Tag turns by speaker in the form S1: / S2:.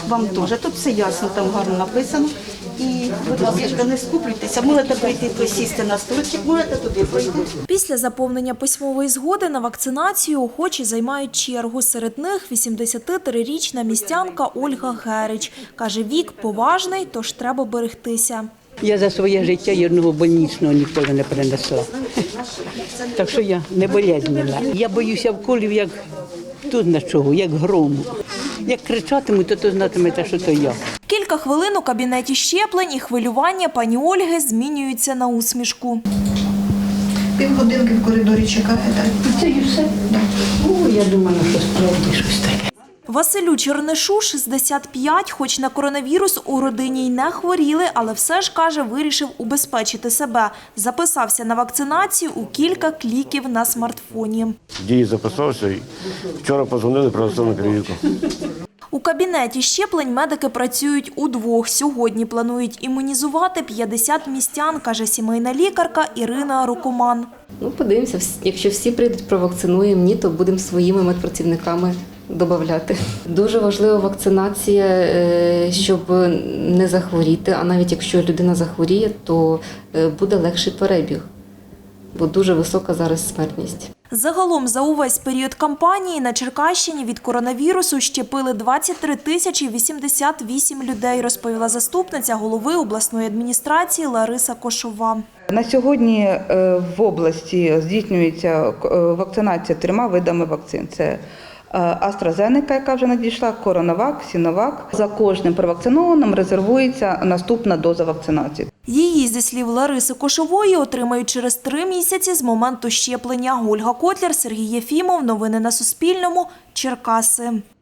S1: вам теж. Тут все ясно, там гарно написано. І, будь ласка, не скуплюйтеся, можете прийти посісти на стульчик, можете туди пройти.
S2: Після заповнення письмової згоди на вакцинацію охочі займають чергу. Серед них 83-річна містянка Ольга Герич. Каже, вік поважний, тож треба берегтися.
S3: Я за своє життя й одного больничного ніколи не перенесла. Так що я не болезненна. Я боюся вколів, як тут на чого, як грому. Як кричатимуть, то знатимете, що то я.
S2: Кілька хвилин у кабінеті щеплень і хвилювання пані Ольги змінюються на усмішку.
S4: Півгодинки в коридорі чекаєте.
S3: Це і все? О, я думала, що справді щось таке.
S2: Василю Чернишу 65, хоч на коронавірус у родині й не хворіли, але все ж, каже, вирішив убезпечити себе. Записався на вакцинацію у кілька кліків на смартфоні.
S5: Дії записався і вчора подзвонили, принесли на перевірку.
S2: У кабінеті щеплень медики працюють удвох. Сьогодні планують імунізувати 50 містян, каже сімейна лікарка Ірина Рукоман.
S6: Подивимося, якщо всі прийдуть, провакцинуємо, ні, то будемо своїми медпрацівниками додавати. Дуже важлива вакцинація, щоб не захворіти, а навіть якщо людина захворіє, то буде легший перебіг, бо дуже висока зараз смертність.
S2: Загалом за увесь період кампанії на Черкащині від коронавірусу щепили 23 тисячі 88 людей, розповіла заступниця голови обласної адміністрації Лариса Кошова.
S7: На сьогодні в області здійснюється вакцинація 3 видами вакцин. Це AstraZeneca, яка вже надійшла, CoronaVac, Sinovac. За кожним провакцинованим резервується наступна доза вакцинації.
S2: Її, зі слів Лариси Кошової, отримають через 3 місяці з моменту щеплення. Ольга Котляр, Сергій Єфімов. Новини на Суспільному. Черкаси.